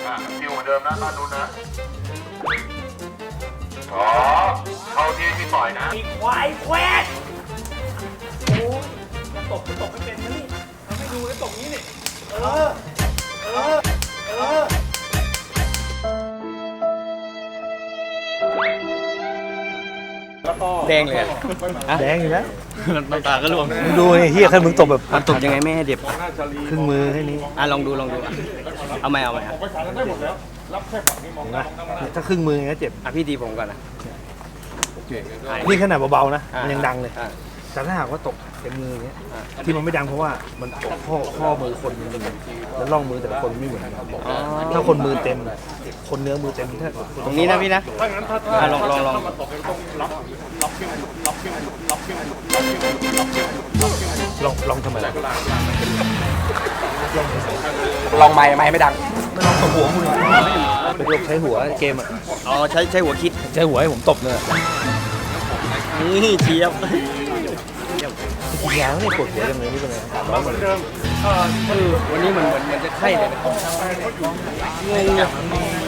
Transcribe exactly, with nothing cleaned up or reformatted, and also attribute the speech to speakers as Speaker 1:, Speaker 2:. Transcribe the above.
Speaker 1: อ่ะฟิวเหมือนเดิมนะบ้านนู้นนะอ๋อเข้าที่ที่ต่อยนะ
Speaker 2: ไอ้ควายแควดโอ้ยจะตบจะตบไม่เป็นนะนี่ทำให้ดูแล้วตบนี้นี่เออ เออ เออ
Speaker 3: แดงเลยอะ
Speaker 4: แดงอยู่แล้ว
Speaker 3: น้ำตาก็ร่วง
Speaker 4: มึงดูไอ้เฮียขั้นมึงตบแบบ
Speaker 3: มันตบยังไงไม่ให้เด็บ
Speaker 4: ครึ่งมือแค่นี้
Speaker 3: อ่ะลองดูลองดูอ่ะเอาไหมเอาไหมอ่ะ
Speaker 4: นะถ้าครึ่งมืออย่างเงี้ยเจ็บ
Speaker 3: อ่ะพี่ดีผมก่อนนะ
Speaker 4: นี่ขนาดเบาๆนะ
Speaker 3: อ่ะ
Speaker 4: มันยังดังเลย
Speaker 3: อ่ะ
Speaker 4: แต่ถ้าหากว่าตกเต็มมืออย่างเงี้ย
Speaker 3: อ่ะ
Speaker 4: ที่มันไม่ดังเพราะว่ามันตกข้อข้อมือคนมันแล้วร่องมือแต่ละคนไม่เหมือนกัน
Speaker 3: อ๋อ
Speaker 4: ถ้าคนมือเต็ม คนเนื้อมือเต็มถ้า
Speaker 3: ตรงนี้นะพี่นะอ่ะลองลองลอง
Speaker 4: ลองลองทำไมล่ะ
Speaker 3: ลองไม้ไม้ไม่ดัง
Speaker 4: ไม่ลองตบหัวมึงไปลองใช้หัวเกมอ่ะ
Speaker 3: อ๋อใช้ใช้หัวคิด
Speaker 4: ใช้หัวให้ผมตบเลย
Speaker 3: นี่เจี๊ยบ
Speaker 4: กินยาไม่ปวดหัวยังไงนี่เป็นไงร้อนหมดเลย
Speaker 3: เออวันนี้เหมือนเหมือนเหมือนจะไข้เลยนะงงอ่ะ